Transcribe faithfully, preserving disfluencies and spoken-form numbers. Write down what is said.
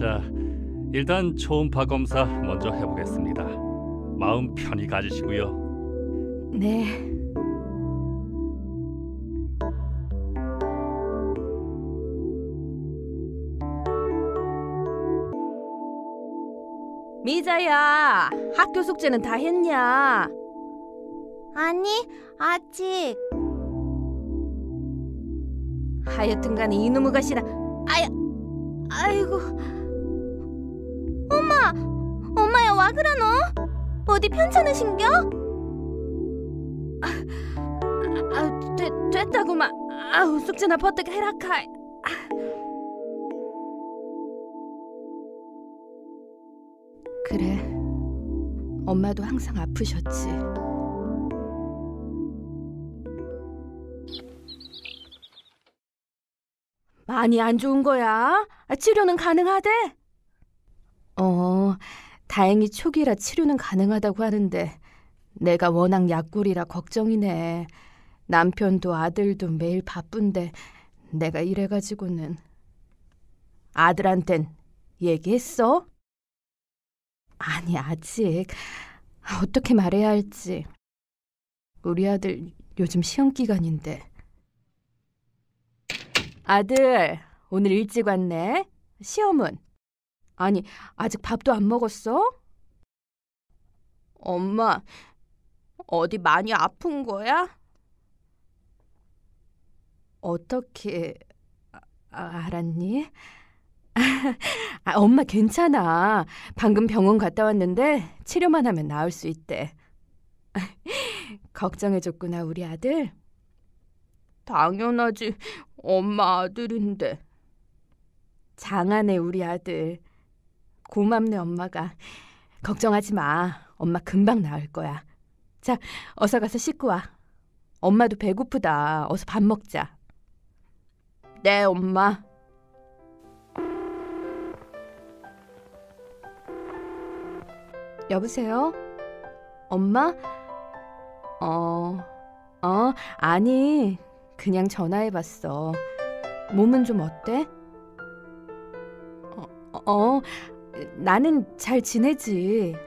자, 일단 초음파 검사 먼저 해보겠습니다. 마음 편히 가지시고요. 네. 미자야, 학교 숙제는 다 했냐? 아니, 아직. 하여튼간에 이놈의 가시나. 아야, 아이고. 엄마, 엄마야 와 그러노? 어디 편찮으신겨? 아, 아, 되, 됐다구만. 아우, 숙제나 버뜩 해라카. 그래, 엄마도 항상 아프셨지. 많이 안 좋은 거야? 치료는 가능하대? 어, 다행히 초기라 치료는 가능하다고 하는데 내가 워낙 약골이라 걱정이네. 남편도 아들도 매일 바쁜데 내가 이래가지고는. 아들한텐 얘기했어? 아니, 아직. 어떻게 말해야 할지. 우리 아들 요즘 시험 기간인데. 아들, 오늘 일찍 왔네. 시험은? 아니, 아직 밥도 안 먹었어? 엄마, 어디 많이 아픈 거야? 어떻게 아, 알았니? 아, 엄마 괜찮아. 방금 병원 갔다 왔는데 치료만 하면 나을 수 있대. 걱정해줬구나, 우리 아들. 당연하지. 엄마 아들인데. 장하네, 우리 아들. 고맙네, 엄마가. 걱정하지 마. 엄마 금방 나을 거야. 자, 어서 가서 씻고 와. 엄마도 배고프다. 어서 밥 먹자. 네, 엄마. 여보세요? 엄마? 어, 어, 아니, 그냥 전화해봤어. 몸은 좀 어때? 어, 어, 나는 잘 지내지.